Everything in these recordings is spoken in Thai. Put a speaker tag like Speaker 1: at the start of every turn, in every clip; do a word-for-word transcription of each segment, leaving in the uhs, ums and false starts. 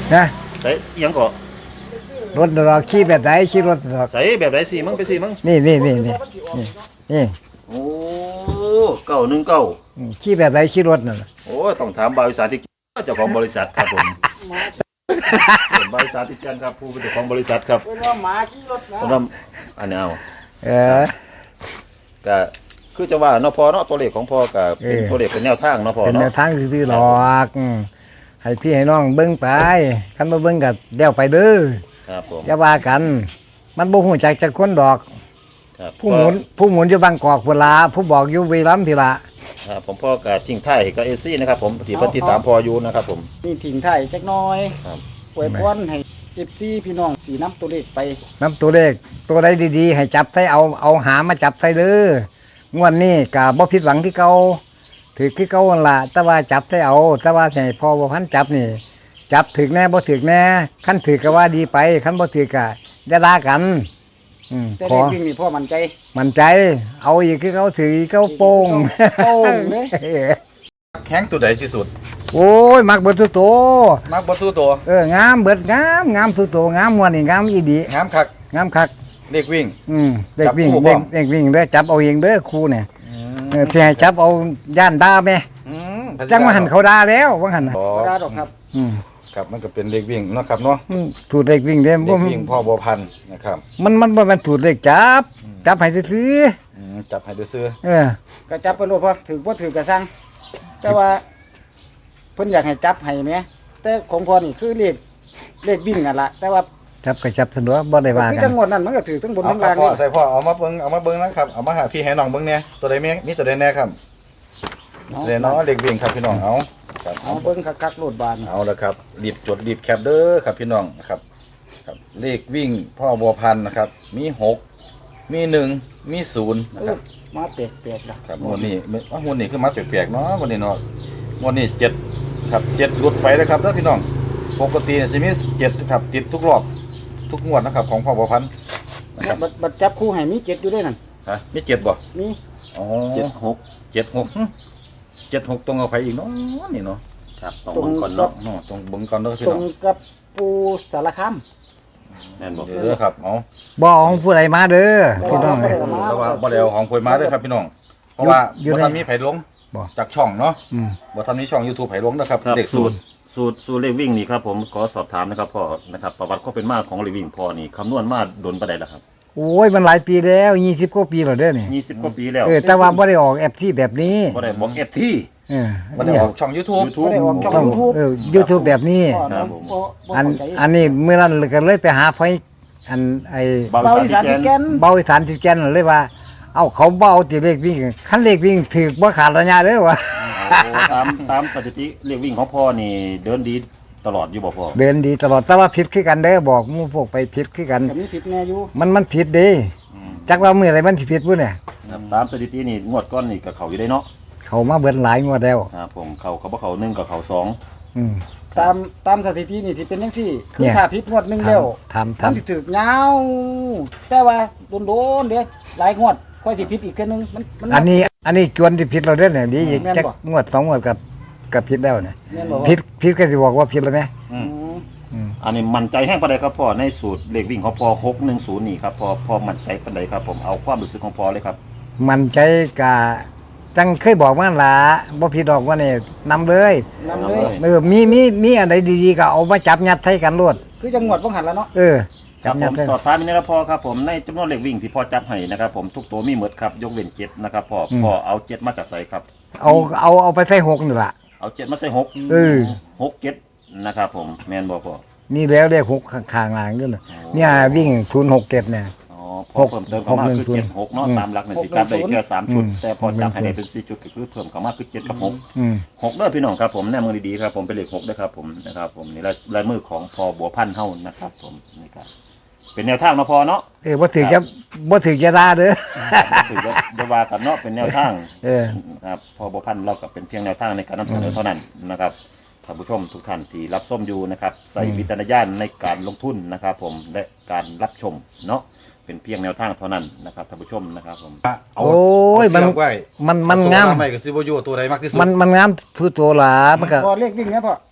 Speaker 1: นะ
Speaker 2: ใส่ยังก็
Speaker 1: รถดอกขี่แบบไหนขี่รถดอก
Speaker 2: ใส่แบบไหนสิมึงไปสิมึง
Speaker 1: นี่นี่นี่นี่นี่
Speaker 2: โอ้เก้าหนึ่งเก้า
Speaker 1: ขี่แบบไหนขี่รถนั่น
Speaker 2: โอ้ต้องถามบริษัทที่เจ้าของบริษัทครับผมบริษัทที่เจ้าครับผู้เป็นเจ้าของบริษัทครับ
Speaker 3: เป็นว่าหมาขี่รถนะ
Speaker 2: ต้องอันนี้เอา
Speaker 1: เออ
Speaker 2: ก็คือจะว่าเนาะพอเนาะตัวเลขของพ่อก็เป็นตัวเลขเป็นแนวทางเนาะพ่อ
Speaker 1: เป็นแน
Speaker 2: เนาะ
Speaker 1: วทางซื่อๆหรอกให้พี่ให้น้องเบิ่งไปคันบ่เบิ่งก็เดี๋ยวไปเด้อ
Speaker 2: ครับผม
Speaker 1: อย่าว่ากันมันบ่ฮู้จักจักคนดอกผู้หมุนผู้หมุนอยู่บางกอกพุ่นล่ะผู้บอกอยู่บุรีรัมย์พี่ล่ะ
Speaker 2: ครับผมพ่อก็ทิ้งท้ายกับเอฟซีนะครับผมที่ปฏิตามพ่ออยู่นะครับผม
Speaker 3: นี่ทิ้งท้ายจักหน่อย
Speaker 2: ครับ
Speaker 3: อวยพรให้ เอฟ ซี พี่น้องสีน้ำตัวเลขไป
Speaker 1: น้ำตัวเลขตัวใดดีๆให้จับใส่เอาเอาหามาจับใส่เด้องวดนี้ก็บ่ผิดหวังที่เก่าถือคือเก่าหั่นล่ะแต่ว่าจับใส่เอาแต่ว่าให้พ่อบ่พันจับนี่จับถึกแน่บ่ถึกแน่คันถึกก็ว่าดีไปคันบ่ถึกก็อย่าด่ากันอืม
Speaker 3: แต่เลขวิ่งนี่พ่อมั่นใจ
Speaker 1: มั่นใจเอาอีกคือเขาถือเขาโป้ง
Speaker 3: โป้งเลย
Speaker 2: แข้งตัวใดที่สุด
Speaker 1: โอ้ยมักเบิดทุกตัว
Speaker 2: มักเบิดทุกตัว
Speaker 1: เอองามเบิดงามงามทุกตัวงามม่วนนี่งามอีดี
Speaker 2: งามคัก
Speaker 1: งามคัก
Speaker 2: เลขวิ่ง
Speaker 1: อืมเลขวิ่งเลขเลขวิ่งเด้อจับเอาเองเด้อครูเนี่ยเออที่ให้จับเอาย่านด่าแม่จังว่าหันเขาด่าแล้วว่าหันน่ะ
Speaker 3: บ่ด่าดอกครับ
Speaker 1: อืม
Speaker 2: ครับมันก็เป็นเลขวิ่งเนาะครับเนาะ
Speaker 1: ถูกเลขวิ่งเด้
Speaker 2: เลขวิ่งพ่อบัวพันธุ์นะครับ
Speaker 1: มันมันบ่แม่นถูกเลขจับจับให้ซื้อ
Speaker 2: จับให้ซื้อ
Speaker 1: เออ
Speaker 3: ก็จับเพิ่นโลดพอถือบ่ถือก็สั่งแต่ว่าเพิ่นอยากให้จับให้แหมแต่ของพ่อนี่คือเลขเลขวิ่งนั่นล่ะแต่ว่า
Speaker 1: จับก็จับสะดวกบ่ได้ว่ากัน
Speaker 3: คือจังหวัดนั้นมันก็ถือทั้งบนทั้งล่าง
Speaker 2: พ่อใส่พ่อเอามาเบิ่งเอามาเบิ่งนะครับเอามาหาพี่ให้น้องเบิ่งแน่ตัวใดแม่มีตัวใดแน่ครับเดี๋ยวเนาะเลขวิ่งครับพี่น้องเอา
Speaker 3: เอาเบิ่งคักๆโลดบาน
Speaker 2: เอาละครับรีบจดรีบแคปเด้อครับพี่น้องนะครับครับเลขวิ่งพ่อบัวพันธุ์นะครับมีหกมีหนึ่งมีศูนย์นะครับ
Speaker 3: มาเปียกๆ
Speaker 2: นะครับวันนี้ว่าวันนี้คือมาเปียกๆเนาะวันนี้เนาะวันนี้เจ็ดครับเจ็ดหลุดไปแล้วครับแล้วพี่น้องปกติจะมีเจ็ดครับติดทุกรอบทุกงวดนะครับของพ่อบัวพันธุ์
Speaker 3: นะครับบัดจับคู่ให้มีเจ็ดอยู่ด้วยนั่น
Speaker 2: ฮะมีเจ็ดบ่
Speaker 3: มี
Speaker 2: อ๋อเจ็ดหกเจ็ดหกเจ็ดหกตรงเอาไปอีกเนาะนี่เนาะครับตรงเบิ่งก่อนเนาะตรงเบิ่งก่อนเด้อพี่น้อง
Speaker 3: ตรงกับปูสารคาม
Speaker 2: แม่นบ่เด้อครับเอา
Speaker 1: บ่ของผู้ใดมาเด้อพี่น้องเอ้ย
Speaker 2: แล้วว่าบ่ได้เอาของผู้มาเด้อครับพี่น้องเพราะว่าบ่ทันมีไผลงจากช่องเนาะบ่ทันมีช่อง YouTube ไผลงนะครับเด็กสูตรสูตรสูตรเลขวิ่งนี่ครับผมขอสอบถามนะครับพ่อนะครับประวัติความเป็นมาของเลขวิ่งพ่อนี่คำนวณมาโดนปานใดล่ะครับ
Speaker 1: โอ้ยมันหลายปีแล้วยี่สิบกว่าปีแล้วเด้อนี่
Speaker 2: ยี่สิบกว่าปีแล้ว
Speaker 1: เออแต่ว่าบ่ได้ออกแอปที่แบบนี้
Speaker 2: บ่ได้บอกแอปที่
Speaker 1: เออ
Speaker 2: บ่ได้ออกช่อง YouTube
Speaker 3: บ่ได้ออกช่อง YouTube
Speaker 1: เออ YouTube แบบนี้อันอันนี้เมื่อนั้นก็เลยไปหาไฟอันไอ้
Speaker 3: เบาอีสานที่แก่น
Speaker 1: เบาอีสานที่แก่นเลยว่าเอ้าเขาเบาติเลขวิ่งคันเลขวิ่งถูกบ่ขาดระยะเด้อว่า
Speaker 2: ตามตามสถิติเลขวิ่งของพ่อนี่เดินดีตลอดอยู่บ่พ่อ
Speaker 1: เดินดีตลอดแต่ว่าผิดคือกันเด้อบอกหมู่พวกไปผิดคือกัน
Speaker 3: ก็มีผิดแน่อยู่
Speaker 1: มันมันผิดเด้จักว่ามื้อใดมันสิผิดพุ่นเนี่ย
Speaker 2: ตามสถิตินี่งวดก้อนนี่ก็เข้าอยู่ได้เนาะ
Speaker 1: เข้ามาเบิดหลายงวดแล้ว
Speaker 2: ครับผมเข้าเขาบ่เข้าหนึ่งก็เข้าสอง
Speaker 1: อืม
Speaker 3: ตามตามสถิตินี่สิเป็นจังซี่คือถ้าผิดงวดนึงแล้ว
Speaker 1: ทำทำ
Speaker 3: สิถึกยาวแต่ว่าโดนๆเด้หลายงวดค่อยสิผิดอีกแค่นึงมัน
Speaker 1: อันนี้อันนี้จวนที่ผิดเราเด้อเนี่ยดีอีกจักงวดสองงวดกับกับผิดแล้วเนี่ยผิดผิดก็สิบอกว่าผิดแล้วแม่
Speaker 2: อันนี้มั่นใจแห้งปานใดครับพ่อในสูตรเลขวิ่งของพ่อหกหนึ่งศูนย์นี่ครับพ่อพ่อมั่นใจปานใดครับผมเอาความรู้สึกของพ่อเลยครับ
Speaker 1: มั่นใจกะจังเคยบอกว่าล่ะบ่ผิดดอกว่านี่นำเลย
Speaker 3: นำเลย
Speaker 1: เออมีมีมีอันใดดีๆก็เอามาจับยัดใส่กันโลด
Speaker 3: คือจังหวัดบ่หันแล้วเนาะ
Speaker 1: เออ
Speaker 2: ครับผมสอบถามนี่นะพ่อครับผมในจำนวนเลขวิ่งที่พ่อจับให้นะครับผมทุกตัวมีหมดครับยกเว้นเจ็ดนะครับพ่อพ่อเอาเจ็ดมาจากใส่ครับ
Speaker 1: เอาเอาเอาไปใส่หกนี่ล่ะ
Speaker 2: เอาเจ็ดมาใส่หก
Speaker 1: เออ
Speaker 2: หกเจ็ดนะครับผมแม่นบ่พ่อ
Speaker 1: นี่แล้วเลขหกข้างๆล่างด้วยเนี่ยวิ่งศูนย์หกเจ็ดเนี่ย
Speaker 2: อ๋อพอเพิ่มเติมเข้ามาคือเจ็ดหกเนาะตามหลักเนี่ยสิจับได้แค่สามชุดแต่พอจับให้ได้เป็นสี่ชุดก็คือเพิ่มเข้ามาคือเจ็ดกับหกหกเด้อพี่น้องครับผมแนมมือดีๆครับผมเป็นเลขหกด้วยครับผมนะครับผมนี่ลายมือของพอบัวพันธุ์เฮานะครับผมนี่ครับเป็นแนวทางเนาะพอเนาะ
Speaker 1: เออบ่ถือจะบ่ถือจะด่าเด้อ
Speaker 2: ถือจะว่ากันเนาะเป็นแนวทาง
Speaker 1: เออ
Speaker 2: ครับพอบัวพันธุ์เราก็เป็นเพียงแนวทางในการนำเสนอเท่านั้นนะครับท่านผู้ชมทุกท่านที่รับชมอยู่นะครับใส่วิจารณญาณในการลงทุนนะครับผมและการรับชมเนาะเป็นเพียงแนวทางเท่านั้นนะครับท่านผู้ชมนะครับผม
Speaker 1: โอ้ยมันมันมันงาม
Speaker 2: ไม่ก็สิบ่อยู่ตัวใดมากที่สุด
Speaker 1: มันมันงามทุกตัวล่ะมันก็
Speaker 3: พอเลขวิ่งนะพ่อ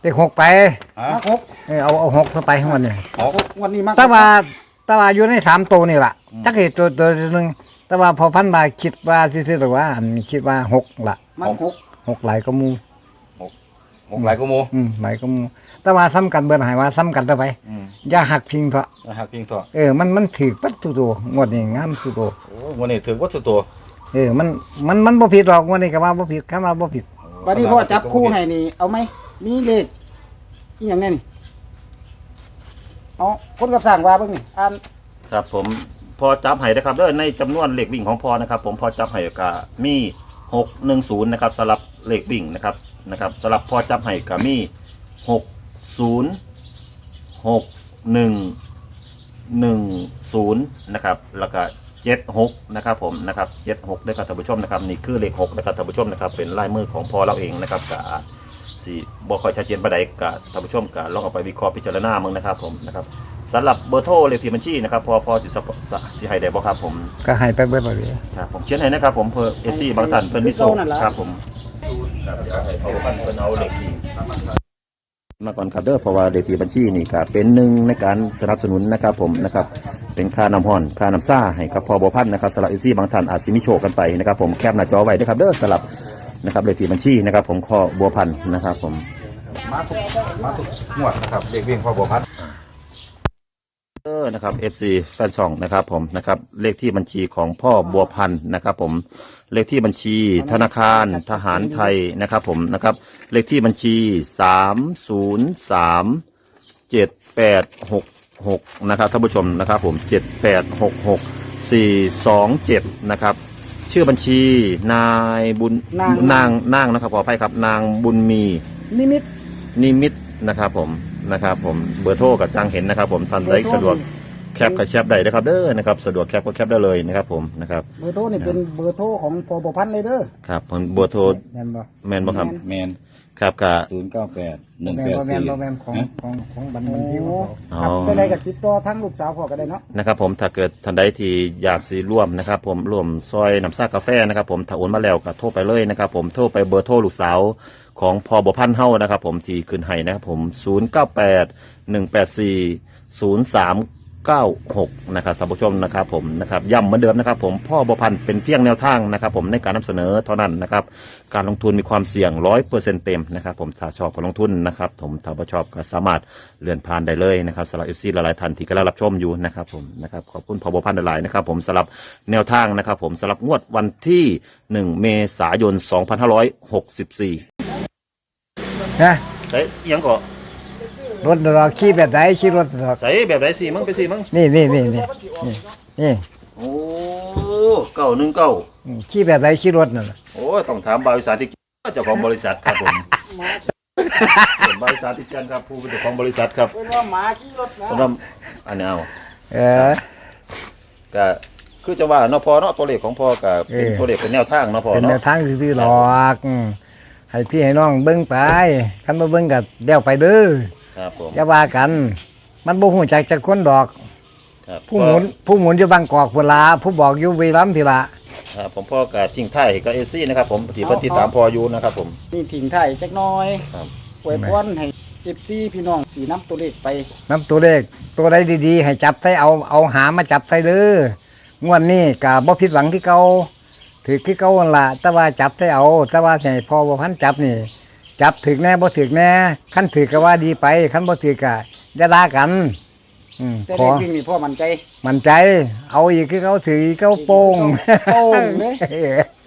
Speaker 1: เด็กหกไป
Speaker 4: ฮะ
Speaker 3: มาหก
Speaker 1: เออเอาเอาหกเข้าไปข้างบนเนี่ย
Speaker 4: หก
Speaker 3: วันนี้มา
Speaker 1: แต่ว่าแต่ว่าอยู่ในสามตัวนี่แหละจักเหตุตัวตัวหนึ่งแต่ว่าพอพันบาคิดว่าซื่อๆหรือว่าอันคิดว่าหกละ
Speaker 3: มันหก
Speaker 1: หกหลายก็มู
Speaker 4: หกหลายกูมู
Speaker 1: อืมหลายก็มูแต่ว่าซ้ำกันเบิดใหายว่าซ้ำกันต่อไป
Speaker 4: อืม
Speaker 1: อย่าหักพิงเถอะ
Speaker 4: นะฮะพิงตัว
Speaker 1: เออมันมันถือปัดตัวตัวงวดนี้งามตัวตัว
Speaker 4: โอ้วันนี้ถือวัตถุตัว
Speaker 1: เออมันมันมันบ่ผิดหรอกงวดนี้ก็ว่าบ่ผิดคำว่าบ่ผิด
Speaker 3: วันนี้พ่อจับคู่ให้นี่เอาไหมมีเลขอีหยังไงนี่เอาคนกับสั่งว่าเบิ่งนี่อ่าน
Speaker 2: ครับผมพอจับให้นะครับเด้อในจำนวนเลขวิ่งของพอนะครับ ผมพอจับให้ก็มีหกหนึ่งศูนย์นะครับสำหรับเลขวิ่งนะครับนะครับสำหรับพอจับให้ก็มีหกศูนย์หกหนึ่งหนึ่งศูนย์นะครับแล้วก็เจ็ดหกนะครับผมนะครับเจ็ดหกด้วยครับท่านผู้ชมนะครับนี่คือเลขหกนะครับท่านผู้ชมนะครับเป็นลายมือของพอเราเองนะครับกับสี่บ่ค่อยชัดเจนปานใดกับท่านผู้ชมกับลองเอาไปวิเคราะห์พิจารณามึงนะครับผมนะครับสำหรับเบอร์โทรเลขที่บัญชีนะครับพอพอสิสปสิให้ได้บ่ครับผม
Speaker 1: ก็ให้ไปเบิดบ่เลย
Speaker 2: ครับผมเขียนให้นะครับผมเพื่อเอซี่บางท่านเพิ่นมิโซครับผมครับเดี๋ยวให้เขาเพิ่นเอาเลขที่มาก่อนครับเด้อเพราะว่าเลขที่บัญชีนี่ก็เป็นหนึ่งในการสนับสนุนนะครับผมนะครับเป็นค่าน้ำห้อนค่าน้ำซ่าให้กับพอบ่พันนะครับสำหรับเอซี่บางท่านอาจสิมีโชคกันไปนะครับผมแคปหน้าจอไว้ด้วยครับเด้อสำหรับนะครับเลขที่บัญชีนะครับผมข้อบัวพันธุ์นะครับผม
Speaker 4: มาทุกมาทุกงวดนะครับเด็กวิ่งพ่อบัวพัด
Speaker 2: เออนะครับ เอฟ ซี แฟนช่องนะครับผมนะครับเลขที่บัญชีของพ่อบัวพันธ์นะครับผมเลขที่บัญชีธนาคารทหารไทยนะครับผมนะครับเลขที่บัญชีสามศูนย์สามเจ็ดแปดหกหกนะครับท่านผู้ชมนะครับผมเจ็ดแปดหกหกสี่สองเจ็ดนะครับชื่อบัญชีนายบุญนางนางนะครับขออภัยครับนางบุญมี
Speaker 3: นิมิต
Speaker 2: นิมิตนะครับผมนะครับผมเบอร์โทรกับจังเห็นนะครับผมท่านใดสะดวกแคปกับแคปได้นะครับเด้อนะครับสะดวกแคปก็แคปได้เลยนะครับผมนะครับ
Speaker 3: เบอร์โทรนี่เป็นเบอร์โทรของพบพันธ์เลยเด้อ
Speaker 2: ครับผมเบอร์โทร
Speaker 1: แม่นบ่
Speaker 2: แมนบ่ครับ
Speaker 4: แมน
Speaker 2: ครับกะ
Speaker 4: ศูนย์เก้าแปดหนึ่ง
Speaker 1: แม่
Speaker 4: แป
Speaker 1: น
Speaker 4: ด
Speaker 1: บ่แม่
Speaker 4: สี่
Speaker 1: นบ่แม่นของของของบัน
Speaker 3: โอ้
Speaker 1: บันทิวเขา
Speaker 3: ครับจะได้กับติดต่อทั้งลูกสาวพ่อก็ได้เนาะ
Speaker 2: นะครับผมถ้าเกิดท่านใดที่อยากสิร่วมนะครับผมร่วมซอยน้ำซ่ากาแฟนะครับผมถ้าโอนมาแล้วก็โทรไปเลยนะครับผมโทรไปเบอร์โทรลูกสาวของพอบ่พันเฮานะครับผมที่ขึ้นให้นะครับผมศูนย์เก้าแปดหนึ่งแปดสี่ศูนย์สามเก้าหกนะครับท่านผู้ชมนะครับผมนะครับย้ำเหมือนเดิมนะครับผมพ่อบ่พันเป็นเพียงแนวทางนะครับผมในการนำเสนอเท่านั้นนะครับการลงทุนมีความเสี่ยงร้อยเปอร์เซ็นต์เต็มนะครับผมถ้าชอบการลงทุนนะครับผมถ้าไม่ชอบก็สามารถเลื่อนผ่านได้เลยนะครับสำหรับเอฟซีหลายๆท่านที่กำลังรับชมอยู่นะครับผมนะครับขอบคุณพ่อบ่พันหลายๆนะครับผมสำหรับแนวทางนะครับผมสำหรับงวดวันที่หนึ่งเมษายนสองพันห้าร้อยหกสิบสี่
Speaker 1: นะ
Speaker 2: ใส่ยังก็
Speaker 1: รถดอกขี่แบบไหนขี่รถดอก
Speaker 2: ใส่แบบไหนสิมึงไปสิมึง
Speaker 1: นี่นี่นี่นี่นี่นี่
Speaker 2: โอ้เก้าหนึ่งเก้า
Speaker 1: อืมขี่แบบไหนขี่รถนั่นน่ะ
Speaker 2: โอ้ต้องถามบริษัทที่เจ้าของบริษัทครับผมผมบริษัทที่เจนครับผู้เป็นเจ้าของบริษัทครับ
Speaker 3: เป็นว่าหมาขี่รถนะ
Speaker 2: สำหรับอันนี้เอา
Speaker 1: เออ
Speaker 2: ก็คือจะว่าเนาะพอเนาะตัวเลขของพ่อก็เป็น
Speaker 1: เออ
Speaker 2: ตัวเลขเป็นแนวทางเนาะพ่อ
Speaker 1: เป็นแน
Speaker 2: เนาะ
Speaker 1: วทางซื่อๆหรอกอืมให้พี่ให้น้องเบิ่งไปคันบ่เบิ่งก็เดี๋ยวไปเด้อ
Speaker 2: ครับผม
Speaker 1: อย่าว่ากัน มันบ่ฮู้จักจักคนดอก
Speaker 2: ครับ
Speaker 1: ผู้หมุนผู้หมุนอยู่บางกอกพุ่นล่ะผู้บอกอยู่บุรีรัมย์พี่ล่ะ
Speaker 2: ครับผมพ่อก็ทิ้งท้ายให้กับเอซี่นะครับผมที่เพิ่นติดตามพ่ออยู่นะครับผม
Speaker 3: นี่ทิ้งไทายจักหน้อย
Speaker 2: ครับ
Speaker 3: อวยพรให้เอฟซีพี่น้องสีน้ำตัวเลขไป
Speaker 1: นํตัวเลขตัวใดดีๆ ให้จับใส่เอาเอาหามาจับใส่เด้องวดนี้ก็บ่ผิดหวังที่เก่าถือคือเก่านั่นล่ะแต่ว่าจับใส่เอา แต่ว่าให้พอบ่พันจับนี่ จับถึกแน่บ่ถึกแน่คันถึกก็ว่าดีไปคันบ่ถึกก็อย่าด่ากัน อืม
Speaker 3: แต่
Speaker 1: ข
Speaker 3: เล
Speaker 1: อ
Speaker 3: ขวิ่งนี่พ่อมั่นใจ
Speaker 1: มั่นใจ เอาอีกคือเขาถืออีกเขาโป้ง
Speaker 3: โป้งเลย
Speaker 1: เออ